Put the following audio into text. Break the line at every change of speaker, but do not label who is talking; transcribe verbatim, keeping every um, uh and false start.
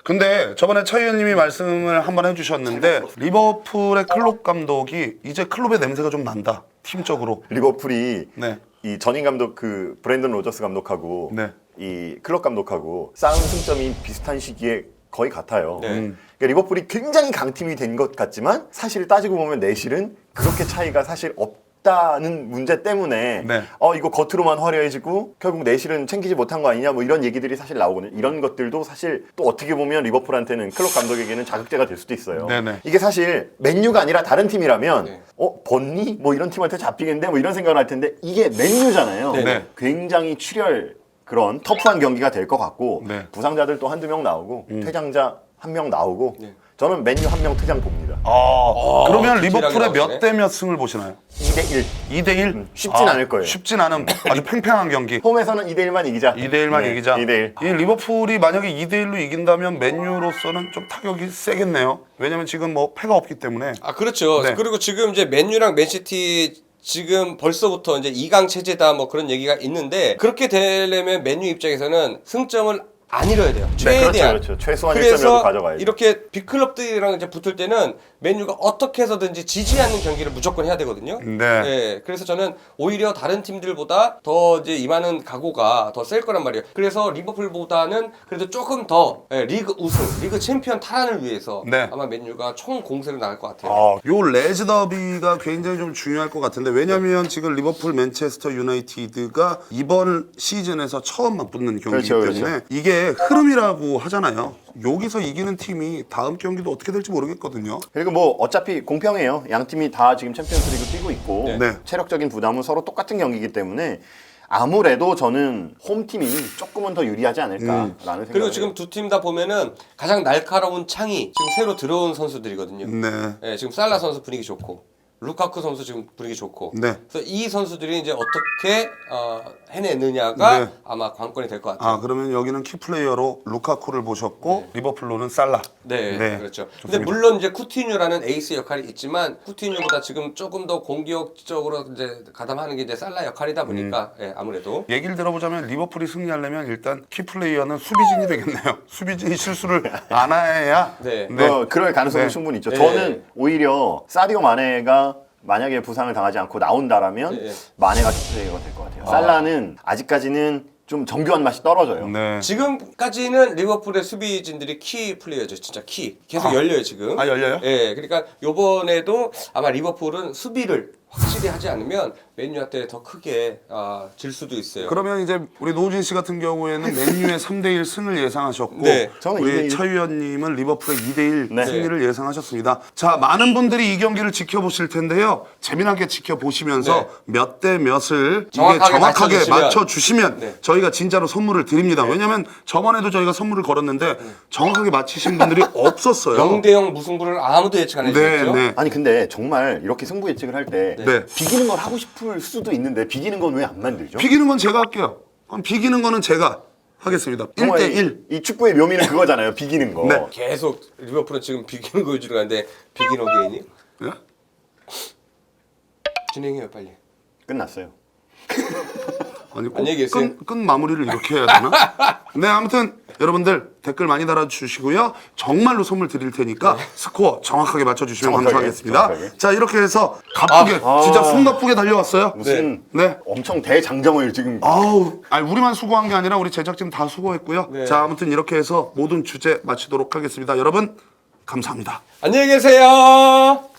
근데 저번에 차 의원님이 말씀을 한번 해주셨는데 리버풀의 클롭 감독이 이제 클롭의 냄새가 좀 난다. 팀적으로.
리버풀이
네.
이 전임 감독 그 브랜든 로저스 감독하고
네.
이 클럽 감독하고 쌓은 승점이 비슷한 시기에 거의 같아요.
네.
음. 그러니까 리버풀이 굉장히 강팀이 된 것 같지만 사실 따지고 보면 내실은 그렇게 차이가 사실 없다는 문제 때문에
네.
어 이거 겉으로만 화려해지고 결국 내실은 챙기지 못한 거 아니냐 뭐 이런 얘기들이 사실 나오거든요. 이런 것들도 사실 또 어떻게 보면 리버풀한테는 클럽 감독에게는 자극제가 될 수도 있어요.
네네.
이게 사실 맨유가 아니라 다른 팀이라면
네.
어 번니 뭐 이런 팀한테 잡히겠는데 뭐 이런 생각을 할 텐데 이게 맨유잖아요.
네.
굉장히 출혈 그런 터프한 경기가 될 것 같고
네.
부상자들 또 한두 명 나오고 퇴장자 한 명 나오고
네.
저는 맨유 한 명 퇴장 봅니다.
아, 그러면
디테일하게
리버풀의 몇
나오시네.
대 몇 승을 보시나요?
이 대 일.
이 대 일?
음, 쉽진 않을 거예요.
쉽진 않은 아주 팽팽한 경기.
홈에서는 이 대 일만 이기자.
이 대 일만
네,
이기자.
이 대 일.
이 리버풀이 만약에 이 대 일로 이긴다면 맨유로서는 좀 타격이 세겠네요. 왜냐면 지금 뭐 패가 없기 때문에.
아 그렇죠.
네.
그리고 지금 이제 맨유랑 맨시티 지금 벌써부터 이제 이 강 체제다 뭐 그런 얘기가 있는데 그렇게 되려면 맨유 입장에서는 승점을 안 잃어야 돼요.
네,
최대한.
그렇죠, 그렇죠. 최소한 일
그래서
점이라도 가져가야죠.
이렇게 빅클럽들이랑 이제 붙을 때는 맨유가 어떻게 해서든지 지지 않는 경기를 무조건 해야 되거든요.
네.
네, 그래서 저는 오히려 다른 팀들보다 더 이제 임하는 각오가 더 셀 거란 말이에요. 그래서 리버풀보다는 그래도 조금 더 예, 리그 우승, 리그 챔피언 탈환을 위해서
네.
아마 맨유가 총 공세를 나갈 것 같아요.
아, 요 레즈 더비가 굉장히 좀 중요할 것 같은데 왜냐면 지금 리버풀 맨체스터 유나이티드가 이번 시즌에서 처음 맞붙는 경기이기
그렇죠,
때문에
그렇죠.
이게 흐름이라고 하잖아요. 여기서 이기는 팀이 다음 경기도 어떻게 될지 모르겠거든요.
그리고 뭐 어차피 공평해요. 양 팀이 다 지금 챔피언스리그 뛰고 있고
네.
네.
체력적인 부담은 서로 똑같은 경기이기 때문에 아무래도 저는 홈팀이 조금은 더 유리하지 않을까라는 생각을
그리고
해요.
지금 두 팀 다 보면은 가장 날카로운 창이 지금 새로 들어온 선수들이거든요.
네.
예, 지금 살라 선수 분위기 좋고 루카쿠 선수 지금 분위기 좋고.
네.
그래서 이 선수들이 이제 어떻게 어, 해내느냐가
네.
아마 관건이 될 것 같아요.
아, 그러면 여기는 키플레이어로 루카쿠를 보셨고 리버풀로는 살라.
네,
네,
그렇죠.
좋습니다.
근데 물론 이제 쿠티뉴라는 에이스 역할이 있지만 쿠티뉴보다 지금 조금 더 공격적으로 이제 가담하는 게 이제 살라 역할이다 보니까
음.
예, 아무래도
얘기를 들어보자면 리버풀이 승리하려면 일단 키플레이어는 수비진이 되겠네요. 수비진이 실수를 안 해야.
네.
어, 그럴 가능성이
네.
충분히 있죠.
네.
저는 오히려 사디오 마네가 만약에 부상을 당하지 않고 나온다라면
네.
마네가 키플레이어가 될 것 같아요. 살라는 아직까지는 좀 정교한 맛이 떨어져요.
네.
지금까지는 리버풀의 수비진들이 키 플레이어죠. 진짜 키. 계속
아.
열려요, 지금.
아, 열려요?
예. 그러니까 요번에도 아마 리버풀은 수비를 확실히 하지 않으면 맨유한테 더 크게 아, 질 수도 있어요.
그러면 이제 우리 노우진 씨 같은 경우에는 맨유의 삼 대 일 승을 예상하셨고
네.
저는 이 대
우리
일.
차 위원님은 리버풀의 이 대 일
네.
승리를 예상하셨습니다. 자, 많은 분들이 이 경기를 지켜보실 텐데요. 재미나게 지켜보시면서
네.
몇 대 몇을 이게
정확하게
정확하게
맞춰주시면.
맞춰주시면
네.
저희가 진짜로 선물을 드립니다. 왜냐면 저번에도 저희가 선물을 걸었는데 정확하게 맞히신 분들이 없었어요.
영 대 영 무승부를 아무도 예측 안
네,
해주셨죠?
네.
아니 근데 정말 이렇게 승부 예측을 할 때
네.
비기는 걸 하고 싶을 수도 있는데 비기는 건 왜 안 만들죠?
비기는 건 제가 할게요. 그럼 비기는 거는 제가 하겠습니다. 일
정말
대
이-
일.
이 축구의 묘미는 그거잖아요. 비기는 거.
네.
계속 리버풀은 지금 비기는 거 위주로 가는데 비긴 어게인이?
예?
진행해요, 빨리.
끝났어요.
아니 꼭
안녕히 계세요.
끝, 끝 마무리를 이렇게 해야 되나? 네, 아무튼 여러분들 댓글 많이 달아주시고요. 정말로 선물 드릴 테니까 스코어 정확하게 맞춰주시면
정확하게,
감사하겠습니다.
정확하게.
자, 이렇게 해서 가쁘게
아,
진짜
아.
숨 가쁘게 달려왔어요.
무슨
네.
엄청 대장정을 지금
아우, 아니 우리만 수고한 게 아니라 우리 제작진 다 수고했고요.
네.
자, 아무튼 이렇게 해서 모든 주제 마치도록 하겠습니다. 여러분 감사합니다.
안녕히 계세요.